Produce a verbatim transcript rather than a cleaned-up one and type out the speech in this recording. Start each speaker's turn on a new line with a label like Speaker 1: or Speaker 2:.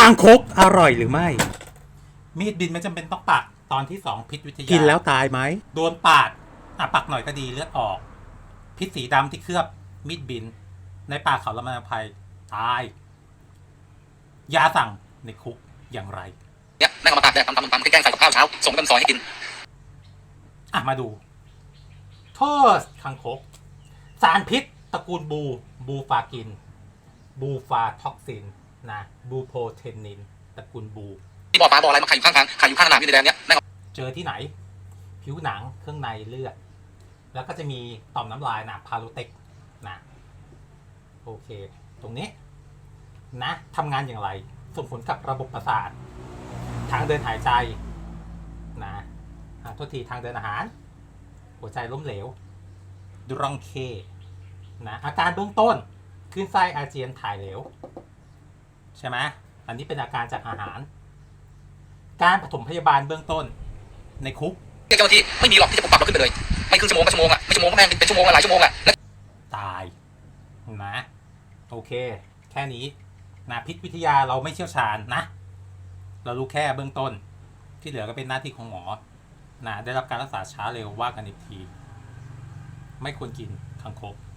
Speaker 1: างคกอร่อยหรือไม่
Speaker 2: มีดบินไม่จำเป็นต้องปักตอนที่สองพิษวิทยา
Speaker 1: กินแล้วตายไหม
Speaker 2: โดนปาดอ่ะปักหน่อยก็ดีเลือดออกพิษสีดำที่เคลือบมีดบิน ในป่าเขาละมาภัยตายยาสั่งในคุกอย่างไร
Speaker 3: เนี่ยนั่งเอามาตากแดดทำทำทำแกล้งใส่กับข้าวเช้าส่งกันซอยให้กิน
Speaker 2: อ่ะมาดูโทษคังคกสารพิษตระกูลบูบูฟากินบูฟาท็อกซินนะบูโพเทนนินตระกูลบู
Speaker 3: ที่บ่อปลาบ่ออะไรมาขายอยู่ข้างทางขายอยู่ข้างสนามบินในแดนเนี้ยนั่ง
Speaker 2: เจอที่ไหนผิวหนังเครื่องในเลือดแล้วก็จะมีต่อมน้ำลายนะพาโลเต็กนะโอเคตรงนี้นะทำงานอย่างไรส่งผลกับระบบประสาททางเดินหายใจนะโทษทีทางเดินอาหารหัวใจล้มเหลวดุรองเคนะอาการเบื้องต้นคลื่นไส้อาเจียนถ่ายเหลวใช่ไหมอันนี้เป็นอาการจากอาหารการปฐมพยาบาลเบื้องต้นในคุก
Speaker 3: เจ้าหน้าที่ไม่มีหรอกที่จะปกปักเราขึ้นไปเลยไม่ครึ่งชั่วโมงก็ชั่วโมงอ่ะไม่ชั่วโมงก็แม่งเป็นชั่วโมงหลายชั่วโมงอ่ะ
Speaker 2: ตายนะโอเคแค่นี้นะพิษวิทยาเราไม่เชี่ยวชาญนะเรารู้แค่เบื้องต้นที่เหลือก็เป็นหน้าที่ของหมอนะได้รับการรักษาช้าเร็วว่ากันอีกทีไม่ควรกินคังคก